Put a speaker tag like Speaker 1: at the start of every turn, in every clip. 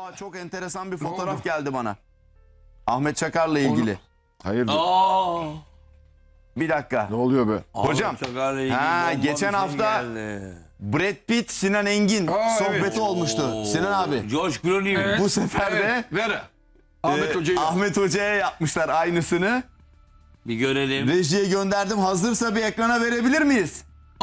Speaker 1: çok enteresan bir fotoğraf geldi bana. Ahmet Çakar'la ilgili.
Speaker 2: Hayırdır?
Speaker 1: Bir dakika.
Speaker 2: Ne oluyor be?
Speaker 1: Hocam, geçen hafta Brad Pitt, Sinan Engin sohbeti olmuştu. Sinan abi.
Speaker 3: George Clooney mi?
Speaker 1: Bu sefer de
Speaker 4: Ver.
Speaker 1: Ahmet Hoca'ya yapmışlar aynısını.
Speaker 3: Bir görelim.
Speaker 1: Rejiye gönderdim. Hazırsa bir ekrana verebilir miyiz?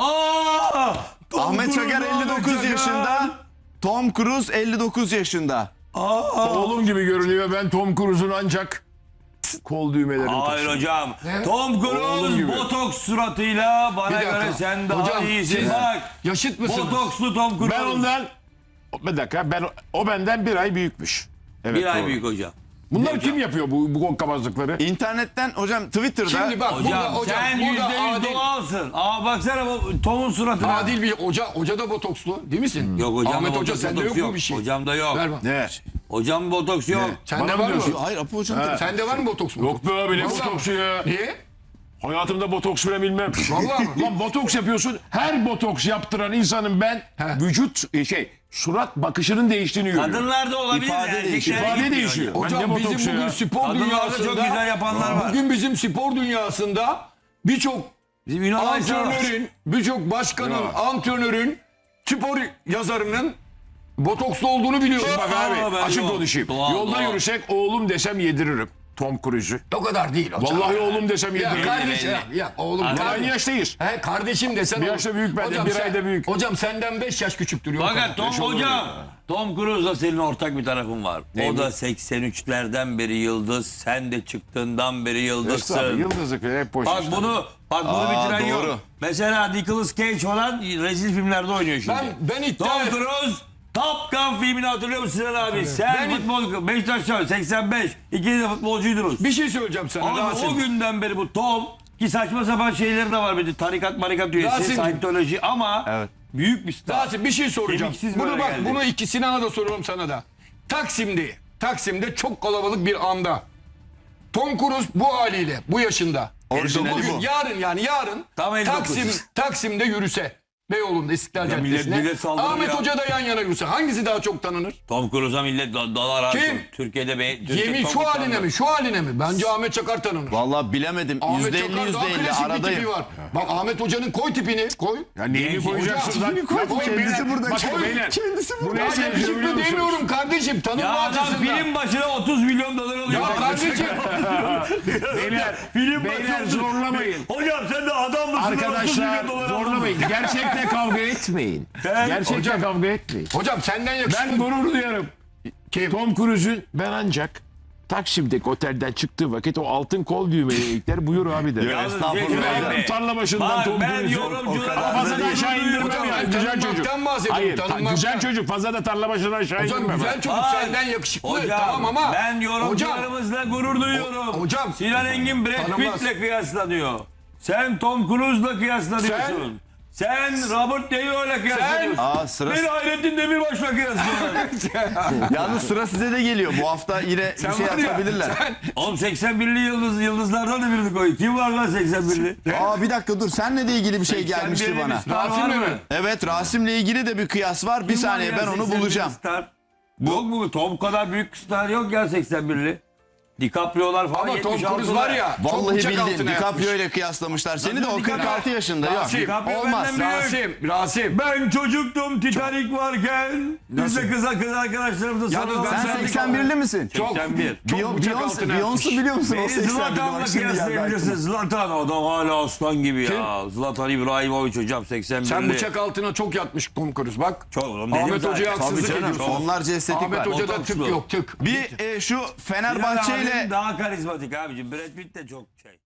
Speaker 1: Ahmet Çakar 59 yaşında. Tom Cruise 59 yaşında.
Speaker 2: Oğlum gibi görünüyor. Ben Tom Cruise'un ancak kol düğmelerini
Speaker 3: Hayır
Speaker 2: taşıyorum.
Speaker 3: hocam. Tom
Speaker 2: Oğlum
Speaker 3: Cruise
Speaker 2: gibi.
Speaker 3: botoks suratıyla bana göre sen daha
Speaker 4: Hocam,
Speaker 3: iyisin.
Speaker 4: siz
Speaker 3: Bak.
Speaker 4: yaşıt mısınız?
Speaker 3: Botokslu Tom Cruise.
Speaker 2: Ben ondan... Bir dakika. O benden bir ay büyükmüş. Evet,
Speaker 3: bir ay
Speaker 2: doğru.
Speaker 3: büyük hocam.
Speaker 2: Bunlar kim yapıyor bu konkabazlıkları?
Speaker 1: İnternetten hocam Twitter'da.
Speaker 4: Şimdi bak
Speaker 3: Hocam, sen %100 doğalsın. Baksana bu Tom'un suratına.
Speaker 4: Adil bir hoca da botokslu değil misin?
Speaker 3: Yok hocam.
Speaker 4: Ahmet Hoca sende yok mu bir şey?
Speaker 3: Hocam da yok.
Speaker 4: Ver bak.
Speaker 2: Ne?
Speaker 3: Hocam botoks yok.
Speaker 4: Sende
Speaker 2: Bana
Speaker 4: var mı?
Speaker 2: diyorsun.
Speaker 1: Hayır Apo hocam. tabii.
Speaker 4: Sende var mı botoks mu?
Speaker 2: Yok be abi ne
Speaker 4: Vallahi
Speaker 2: botoksu
Speaker 4: mi?
Speaker 2: ya?
Speaker 4: Niye?
Speaker 2: Hayatımda botoks bile bilmem.
Speaker 4: Vallahi mi?
Speaker 2: Lan botoks yapıyorsun. Her botoks yaptıran insanın ben vücut surat bakışının değiştiğini görüyorum.
Speaker 3: Kadınlarda olabilir.
Speaker 1: İfade
Speaker 3: erkeklerde
Speaker 1: değişiyor.
Speaker 2: İfade
Speaker 3: gitmiyor
Speaker 2: değişiyor.
Speaker 3: hocam.
Speaker 2: Ben
Speaker 4: Hocam
Speaker 2: ne botoksu
Speaker 4: bizim bugün
Speaker 2: ya?
Speaker 4: spor
Speaker 3: Kadınlarda
Speaker 4: dünyasında
Speaker 3: çok güzel yapanlar var.
Speaker 4: Bugün bizim spor dünyasında birçok
Speaker 3: Bizim Yunan Ayşe var.
Speaker 4: birçok başkanın, antrenörün, spor yazarının botokslu olduğunu biliyorum.
Speaker 2: Bak abi
Speaker 3: ben
Speaker 2: açık
Speaker 3: yok.
Speaker 2: konuşayım.
Speaker 3: Doğal,
Speaker 2: Yolda
Speaker 3: doğal.
Speaker 2: yürüsek oğlum desem yediririm. Tom Cruise'u.
Speaker 4: O kadar değil hocam.
Speaker 2: Vallahi oğlum desem
Speaker 4: Ya
Speaker 2: yediririm.
Speaker 4: kardeşim ya oğlum.
Speaker 3: Abi,
Speaker 2: Aynı yaştayız.
Speaker 4: He kardeşim desen
Speaker 2: Bir
Speaker 4: olur.
Speaker 2: yaşta büyük benden,
Speaker 4: Hocam
Speaker 2: bir
Speaker 4: sen-
Speaker 2: ayda büyük.
Speaker 4: Hocam senden 5 yaş küçüktür. Yok
Speaker 3: Fakat Tom hocam. Tom Cruise'la senin ortak bir tarafın var. O da 83'lerden beri yıldız. Sen de çıktığından beri
Speaker 2: Estağfurullah,
Speaker 3: yıldızsın.
Speaker 2: yıldızlık falan hep boş
Speaker 3: Bak
Speaker 2: işler.
Speaker 3: bunu bitiren
Speaker 1: doğru.
Speaker 3: yok. Mesela Nicolas Cage falan rezil filmlerde oynuyor şimdi.
Speaker 4: Ben iddia
Speaker 3: Tom
Speaker 4: et-
Speaker 3: Cruise Top Gun filmini hatırlıyor musun Sinan abi? Sen futbol Beşiktaş'ta 85 ikiniz de futbolcuydunuz.
Speaker 4: Bir şey söyleyeceğim sana
Speaker 3: Abi
Speaker 4: Rasim.
Speaker 3: o günden beri bu Tom ki saçma sapan şeyleri de var bir de tarikat marikat üyesi,
Speaker 4: Rasim'cim.
Speaker 3: Scientology ama
Speaker 1: Evet.
Speaker 3: büyük bir star.
Speaker 4: Rasim bir şey soracağım.
Speaker 3: Kemiksiz
Speaker 4: Bunu
Speaker 3: böyle
Speaker 4: bak
Speaker 3: geldi.
Speaker 4: bunu ikisine de soruyorum sana da. Taksim'de çok kalabalık bir anda. Tom Cruise bu haliyle bu yaşında.
Speaker 1: Orijinali
Speaker 4: Bugün
Speaker 1: bu.
Speaker 4: yarın
Speaker 3: Tam 59.
Speaker 4: Taksim'de yürüse. Beyoğlu'nda İstiklal
Speaker 3: Ya millet
Speaker 4: Caddesi'ne.
Speaker 3: saldırır
Speaker 4: Ahmet
Speaker 3: ya.
Speaker 4: Hoca da yan yana yürüse. Hangisi daha çok tanınır?
Speaker 3: Tom Cruise'a millet dalar abi.
Speaker 4: Kim?
Speaker 3: Türkiye
Speaker 4: Yemin
Speaker 3: Tom
Speaker 4: şu
Speaker 3: Cruise
Speaker 4: haline mi? Şu haline mi? Bence Ahmet Çakar tanınır.
Speaker 1: Vallahi bilemedim.
Speaker 4: Ahmet
Speaker 1: %50
Speaker 4: Çakar daha
Speaker 1: %50
Speaker 4: klasik bir tipi
Speaker 1: aradayım.
Speaker 4: var. Bak Ahmet Hoca'nın koy tipini. Koy.
Speaker 2: Ya neyini
Speaker 3: Genç
Speaker 2: koyacaksın
Speaker 4: hocam,
Speaker 2: lan?
Speaker 4: tipini koy.
Speaker 2: Yapmayın
Speaker 1: Kendisi
Speaker 2: beyler.
Speaker 1: burada.
Speaker 2: Bakın beyler.
Speaker 1: Kendisi
Speaker 2: Bu
Speaker 1: burada.
Speaker 2: ne
Speaker 4: Ya
Speaker 2: sevgili biliyor
Speaker 4: yakışıklı
Speaker 2: musunuz?
Speaker 4: demiyorum kardeşim. Tanınma
Speaker 3: Ya adam
Speaker 4: açısından.
Speaker 3: film başına 30 milyon dolar alıyor.
Speaker 4: Ya kardeşim.
Speaker 2: Beyler,
Speaker 3: Film
Speaker 2: beyler
Speaker 3: başına-
Speaker 2: zorlamayın.
Speaker 3: Hocam sen de adam mısın? 30
Speaker 2: Arkadaşlar
Speaker 3: milyon dolar aldın.
Speaker 2: zorlamayın. Gerçekle kavga etmeyin. Gerçekle kavga etmeyin.
Speaker 4: Hocam senden yakışıklı.
Speaker 2: Ben gurur duyarım. Tom Cruise'un ben ancak Taksim'deki otelden çıktığı vakit o altın kol düğmelikler buyur abi de.
Speaker 1: Ya estağfurullah.
Speaker 2: Ben tarla başından
Speaker 3: Bak,
Speaker 2: Tom
Speaker 3: ben
Speaker 2: Cruise'u
Speaker 3: yorumculara
Speaker 2: fazla da aşağı indirmem
Speaker 4: Hocam,
Speaker 2: ya.
Speaker 4: ben
Speaker 2: Güzel çocuk.
Speaker 4: tanınmaktan bahsediyorum,
Speaker 2: Hayır,
Speaker 4: tanınmaktan.
Speaker 2: güzel çocuk. Fazla da tarla başından aşağı
Speaker 4: Hocam
Speaker 2: indirmem.
Speaker 4: güzel çocuk
Speaker 3: Hayır.
Speaker 4: senden yakışıklı.
Speaker 3: Hocam
Speaker 4: Tamam ama.
Speaker 3: ben yorumcularımızla gurur duyuyorum.
Speaker 4: Hocam.
Speaker 3: Sinan Engin Brad
Speaker 4: Tanımaz.
Speaker 3: Pitt'le kıyaslanıyor. Sen Tom Cruise'la kıyaslanıyorsun. Sen Robert De Niro'yla kıyaslıyorsun.
Speaker 1: Aa, sıra-
Speaker 3: Beni Hayrettin Demirbaş'la kıyaslıyorsun.
Speaker 1: Yalnız sıra size de geliyor. Bu hafta yine bir şey
Speaker 4: var ya,
Speaker 1: atabilirler.
Speaker 3: Oğlum 81'li yıldızlardan da birini koy. Kim var lan 81'li?
Speaker 1: Aa bir dakika dur. Seninle de ilgili bir şey gelmişti
Speaker 3: 81'li
Speaker 1: bana.
Speaker 3: bir star var
Speaker 4: Rasim'le
Speaker 3: mı?
Speaker 4: mi?
Speaker 1: Evet Rasim'le ilgili de bir kıyas var. Bir
Speaker 3: Kim var
Speaker 1: saniye
Speaker 3: ya
Speaker 1: ben onu
Speaker 3: 81'li
Speaker 1: bulacağım.
Speaker 3: Star? Yok mu? Tom kadar büyük star yok ya 81'li. DiCaprio'lar falan
Speaker 4: Ama Tom
Speaker 3: 76'lar.
Speaker 4: Cruise var ya. çok
Speaker 1: Vallahi
Speaker 4: uçak
Speaker 1: bildin.
Speaker 4: altına yapmış.
Speaker 1: DiCaprio ile kıyaslamışlar. Seni de o
Speaker 3: Nasıl
Speaker 1: 46 yaşında. Yok.
Speaker 4: Rasim,
Speaker 3: DiCaprio
Speaker 1: Olmaz.
Speaker 3: benden büyük.
Speaker 4: Rasim.
Speaker 3: Ben çocuktum Titanic varken. Biz de kız arkadaşlarımızla
Speaker 4: Yalnız
Speaker 3: sarılalım.
Speaker 4: ben
Speaker 1: Sen 81'li misin?
Speaker 3: 81.
Speaker 4: Çok uçak altına yapmış.
Speaker 1: Beyoncé biliyor musun o
Speaker 3: Beni
Speaker 1: 81'li?
Speaker 3: Zlatan'la
Speaker 1: Bak şimdi geldi
Speaker 3: kıyaslayabilirsin.
Speaker 1: aklıma.
Speaker 3: Zlatan adam hala aslan gibi ya. Zlatan İbrahimovic hocam 81'li.
Speaker 4: Sen bıçak altına çok yatmış Tom Cruise bak.
Speaker 3: Çok oğlum dedim
Speaker 4: Ahmet
Speaker 3: zaten.
Speaker 4: Hoca'ya
Speaker 1: Tabii
Speaker 4: haksızlık
Speaker 1: canım.
Speaker 4: ediyorsun.
Speaker 1: Onlarca estetik
Speaker 4: Ahmet
Speaker 1: var.
Speaker 4: Hoca'da
Speaker 3: Botokslu.
Speaker 4: tık yok tık.
Speaker 1: Bir şu
Speaker 3: Sinan
Speaker 1: Fenerbahçe
Speaker 3: abinin
Speaker 1: ile
Speaker 3: daha karizmatik abicim. Brad Pitt de çok şey.